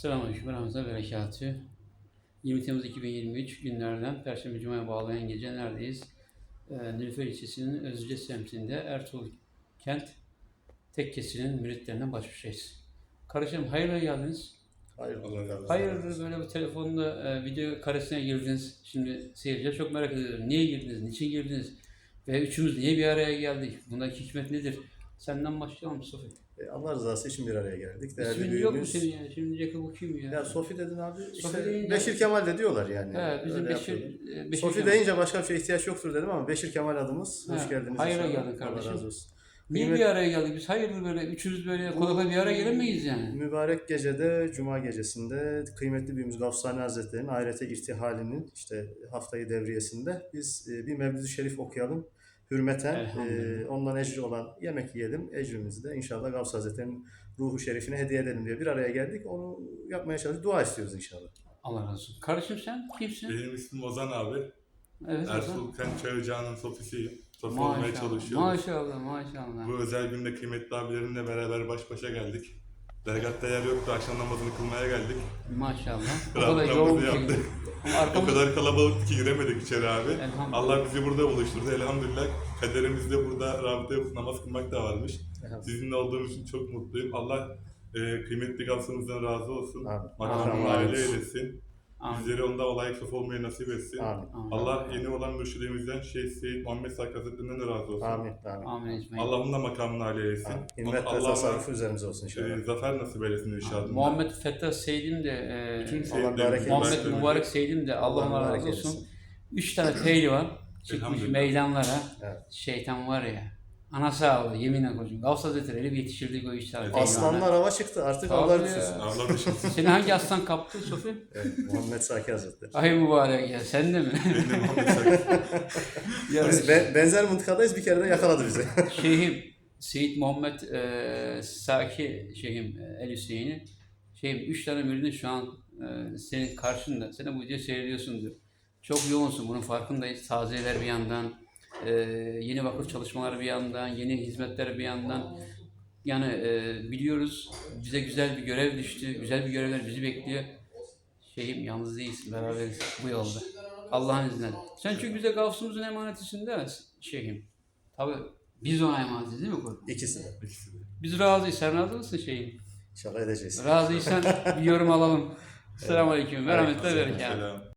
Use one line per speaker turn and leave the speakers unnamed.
Selamünaleyküm ve rahmetullahi ve berekatühü. 20 Temmuz 2023 günlerden Perşembe Cuma'ya bağlayan gece neredeyiz? Nilüfer ilçesinin Özce semtinde Ertuğrul Kent Tekkesi'nin müritlerinden baş başayız. Kardeşim hayırlı geldiniz. Hayırdır böyle bu telefonda video karesine girdiniz. Şimdi seyirciler çok merak ediyor. Niye girdiniz? Niçin girdiniz? Ve üçümüz niye bir araya geldik? Bundaki hikmet nedir? Senden başlayalım Sofi.
Allah rızası için bir araya geldik. Değerli
İsmin yok mu senin ya? Şimdi Jacob bu kim ya?
Ya Sofi dedin abi.
Sofi deyince...
Beşir Kemal de diyorlar yani.
Evet, bizim Beşir
Sofi
Kemal.
deyince başka bir şeye ihtiyaç yoktur dedim ama Beşir Kemal adımız. Hoş geldiniz.
Hayırlı geldin kardeşim.
Allah razı olsun.
Niye bir araya geldik? Biz hayırdır böyle üçümüz böyle kolay bir araya gelemeyiz yani.
Mübarek gecede, Cuma gecesinde kıymetli büyüğümüz Gavsani Hazretleri'nin ahirete irtihalinin işte haftayı devriyesinde biz bir Mevlid-i Şerif okuyalım. Hürmeten ondan ecri olan yemek yiyelim. Ecrimizi de inşallah Gavs Hazretleri'nin ruhu şerifine hediye edelim diye bir araya geldik. Onu yapmaya çalıştık. Dua istiyoruz inşallah.
Allah razı olsun. Kardeşim sen kimsin?
Benim ismim Ozan abi.
Evet,
Ertuğrul Kent Çay Ocağı'nın sofisiyim. Sofi
maşallah,
olmaya çalışıyoruz.
maşallah.
Bu özel günde kıymetli abilerimle beraber baş başa geldik. Dergatta yer yoktu, akşam namazını kılmaya geldik.
Maşallah. O
Rahat
kadar yoğun
namazı
bir
yaptık.
şekilde.
O kadar kalabalıktı ki giremedik içeri abi.
Elhamdülillah.
Allah bizi burada buluşturdu elhamdülillah. Kaderimizde burada rabıta yapıp namaz kılmak da varmış. Sizinle olduğum için çok mutluyum. Allah kıymetli Gavs'ımızdan razı olsun. Makamını aile eylesin. Bizleri onda layık sof olmayı nasip etsin.
Amin.
Allah yeni olan mürşidimizden Şeyh Seyyid Muhammed Sakkı Hazretlerinden de razı olsun.
Amin.
Amin ecmaîn.
Allah'ın da makamını âli eylesin.
Himmet ve tasarrufu üzerimize olsun inşallah.
Zafer nasip eylesin inşallah.
Muhammed Fettah Seydim de
Bütün
Allah
Muhammed Mübarek Seydim de Allah razı olsun. 3 tane pehlivan çıkmış meydanlara.
Evet.
Şeytan var ya. Ana sağlığı yeminle kocuğum. Gavs Hazretleri bir yetiştirdik o 3 tane pehlivana.
Aslanlar hava çıktı artık
Tabii
Allah
ya.
düşürsün.
Allah düşünsün.
Seni hangi aslan kaptı Sofi?
Evet, Muhammed Saki Hazretleri.
Ay mübarek ya sen de mi?
Benim de Muhammed Sakkı.
Biz benzer mıntıkadayız, bir kere de yakaladı bizi.
Şeyhim Seyyid Muhammed Saki Şeyhim El Hüseyin'i Şeyhim 3 tane müridin şu an senin karşında. Sen de bu videoyu seyrediyorsundur. Çok yoğunsun, bunun farkındayız. Taziyeler bir yandan, yeni vakıf çalışmaları bir yandan, yeni hizmetler bir yandan. Yani biliyoruz bize güzel bir görev düştü. Güzel bir görevler bizi bekliyor. Şeyhim yalnız değilsin, beraberiz bu yolda. Allah'ın izniyle. Sen çünkü bize Gavs'ımızın emanetisin değil mi Şeyhim? Tabii biz ona emanetiz değil mi Kurban?
İkisi de.
Biz razıyız. Sen razı mısın Şeyhim?
İnşallah edeceğiz.
Razıysan bir yorum alalım. Selamünaleyküm ve rahmetullahi ve berekatuhu.
Selam.